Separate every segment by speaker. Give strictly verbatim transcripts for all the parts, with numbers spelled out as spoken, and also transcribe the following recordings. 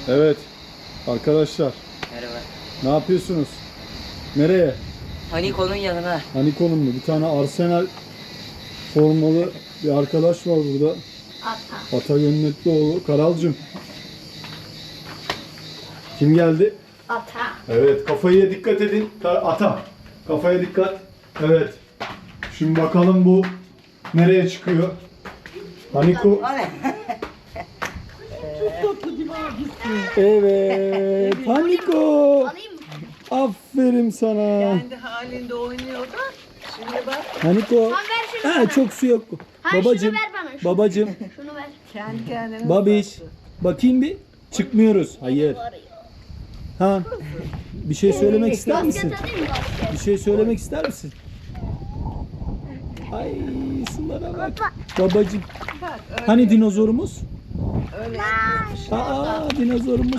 Speaker 1: Evet arkadaşlar,
Speaker 2: Merhaba.
Speaker 1: ne yapıyorsunuz? Nereye?
Speaker 2: Haniko'nun yanına.
Speaker 1: Haniko'nun mu? Bir tane Arsenal formalı bir arkadaş var burada.
Speaker 3: Ata.
Speaker 1: Ata Gönnetliğoğlu. Karalcığım. Kim geldi?
Speaker 3: Ata.
Speaker 1: Evet, kafaya dikkat edin. Ka- Ata. Kafaya dikkat. Evet. Şimdi bakalım bu nereye çıkıyor? Haniko. Evet. Haniko.
Speaker 3: Alayım mı?
Speaker 1: Aferin sana.
Speaker 4: Kendi halinde oynuyor da şimdi bak
Speaker 1: Haniko.
Speaker 3: Tamam, ver şunu
Speaker 1: Ha,
Speaker 3: bana.
Speaker 1: çok su yok.
Speaker 3: Hayır,
Speaker 1: Babacım.
Speaker 3: şunu ver bana. Şunu,
Speaker 1: Babacım.
Speaker 3: şunu ver.
Speaker 4: kendi kendine
Speaker 1: Babiş.
Speaker 4: uzattı.
Speaker 1: Bakayım bir. Çıkmıyoruz. Hayır. Ha. Bir şey söylemek ister misin?
Speaker 3: Basket alayım mı basket?
Speaker 1: Bir şey söylemek ister misin? Ay sulara bak. Babacım.
Speaker 4: Bak öyle,
Speaker 1: Hani dinozorumuz?
Speaker 4: öyle
Speaker 1: Aa dinozorumuz.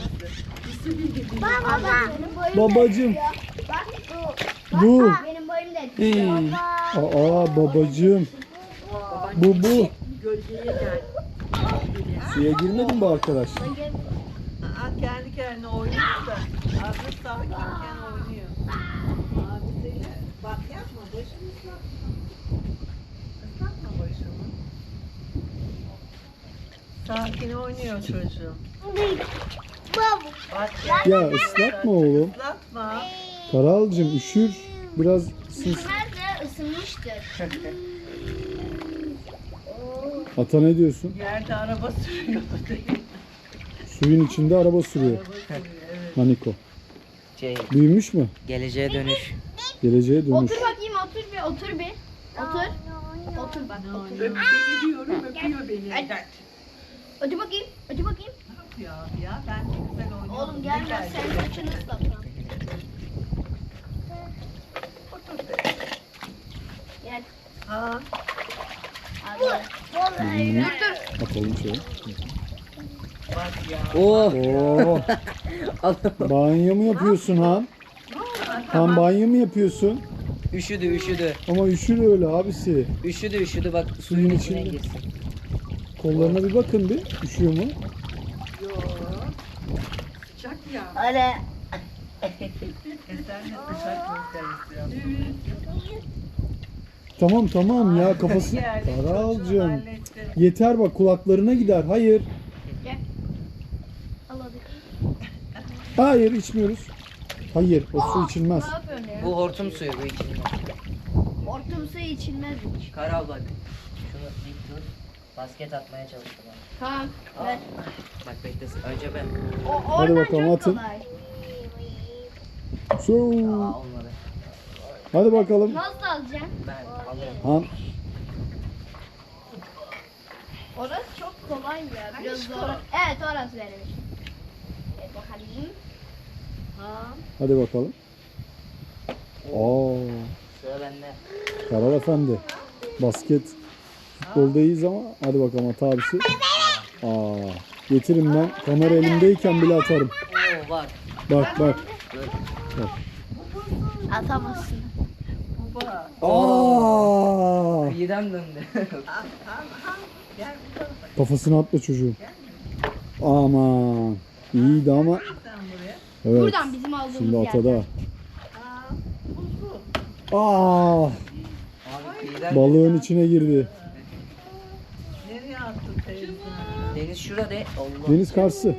Speaker 3: Baba. Benim boyum
Speaker 1: Babacım.
Speaker 3: da yetmiyor. Bak bu.
Speaker 1: Bu.
Speaker 3: Bak, benim boyum da yetmiyor.
Speaker 1: Hey. Aa babacım. Bu bu.
Speaker 4: gölgeye gel.
Speaker 1: Suya girmedin bu arkadaş.
Speaker 4: Aa, kendi kendine oynuyor da azı sakinken oynuyor. Abisiyle bak yapma başını ıslatma. Islatma başını. Sakin oynuyor çocuğum.
Speaker 3: Baba.
Speaker 4: Bak
Speaker 1: Ya ıslatma oğlum.
Speaker 4: ıslatma.
Speaker 1: Karalcığım üşür. Biraz sus.
Speaker 3: Nerede ısınmıştır.
Speaker 1: Ata ne diyorsun?
Speaker 4: Yerde araba sürüyordu değil mi?
Speaker 1: Suyun içinde araba sürüyor.
Speaker 4: Araba sürüyor, evet.
Speaker 1: Haniko.
Speaker 2: Şey,
Speaker 1: Büyümüş mü?
Speaker 2: geleceğe dönüş.
Speaker 1: Geleceğe dönüş.
Speaker 3: Otur bakayım, otur bir, otur bir. Otur. Otur bak, otur.
Speaker 4: Öp beni diyorum, öpüyor beni.
Speaker 3: Hadi. Otur bakayım, otur bakayım.
Speaker 4: Ne yapıyor abi ya? Ben de güzel oynuyorum.
Speaker 3: Oğlum
Speaker 4: Ne
Speaker 3: gelmez,
Speaker 4: geldi?
Speaker 3: sen saçını ıslatma.
Speaker 4: Otur be.
Speaker 3: Gel.
Speaker 4: Ha,
Speaker 3: Hadi. Dur dur.
Speaker 1: Atalım şöyle.
Speaker 4: bak ya.
Speaker 2: Oh!
Speaker 1: Oo. Banyo mu yapıyorsun Han? Han banyo mu yapıyorsun?
Speaker 2: Üşüdü üşüdü.
Speaker 1: Ama üşür öyle abisi.
Speaker 2: Üşüdü üşüdü bak suyun
Speaker 1: Suyun
Speaker 2: içine
Speaker 1: içinde.
Speaker 2: girsin.
Speaker 1: Kollarına bir bakın bir. Üşüyor mu?
Speaker 4: Yo. Sıcak ya.
Speaker 3: Hadi.
Speaker 4: E sen de sıcak göster istiyorsun.
Speaker 1: Tamam tamam ya kafası.
Speaker 4: Geldi, çocuğu
Speaker 1: Karalcığım.
Speaker 4: halletti.
Speaker 1: Yeter bak kulaklarına gider. Hayır.
Speaker 3: Gel. Al hadi.
Speaker 1: Hayır içmiyoruz. Hayır o su içilmez.
Speaker 3: Ne yapıyorsun ya?
Speaker 2: Bu hortum suyu bu içinde.
Speaker 3: Hortum suyu içilmez hiç.
Speaker 2: Karal bak. Şunu dik tut. Basket atmaya çalıştım ben.
Speaker 3: Tamam, ver.
Speaker 2: Bak beklesin. Önce ben.
Speaker 3: O,
Speaker 1: Hadi
Speaker 3: oradan
Speaker 1: bakalım,
Speaker 3: çok
Speaker 1: atın.
Speaker 3: kolay.
Speaker 1: Su.
Speaker 2: Aa olmadı.
Speaker 1: Hadi bakalım.
Speaker 3: Nasıl alacaksın?
Speaker 2: Ben alıyorum.
Speaker 1: Han.
Speaker 3: Orası çok kolay ya. Biraz zor. Evet, orası benim için. Evet, bakalım. Ha.
Speaker 1: Hadi bakalım. Aa,
Speaker 2: Sıra bende.
Speaker 1: Karal Efendi. Basket futbolda iyiyiz ama hadi bakalım at abisi. Aa, getirin ben kamera elimdeyken bile atarım.
Speaker 2: Oo bak.
Speaker 1: Bak bak.
Speaker 2: Dur.
Speaker 3: Atamazsın.
Speaker 4: Baba.
Speaker 1: Aa!
Speaker 2: Midem döndü.
Speaker 4: Al, al, al. Gel bu tarafa.
Speaker 1: Kafasına atma çocuğun. Aman. İyiydi ama.
Speaker 4: Sen buraya.
Speaker 1: Evet.
Speaker 3: Buradan bizim aldığımız
Speaker 1: Şimdi
Speaker 3: yerden.
Speaker 1: atada.
Speaker 4: Aa, buzlu.
Speaker 1: Aa!
Speaker 2: Abi midem
Speaker 1: Balığın içine girdi.
Speaker 4: Nereye attın teyze?
Speaker 2: Deniz şurada. Allah.
Speaker 1: Deniz karşısı.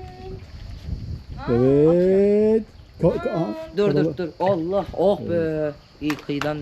Speaker 1: Evet. Ka- ka- aha.
Speaker 2: Dur
Speaker 1: Karala-
Speaker 2: dur dur. Allah. Oh be. İyi kıyıdan.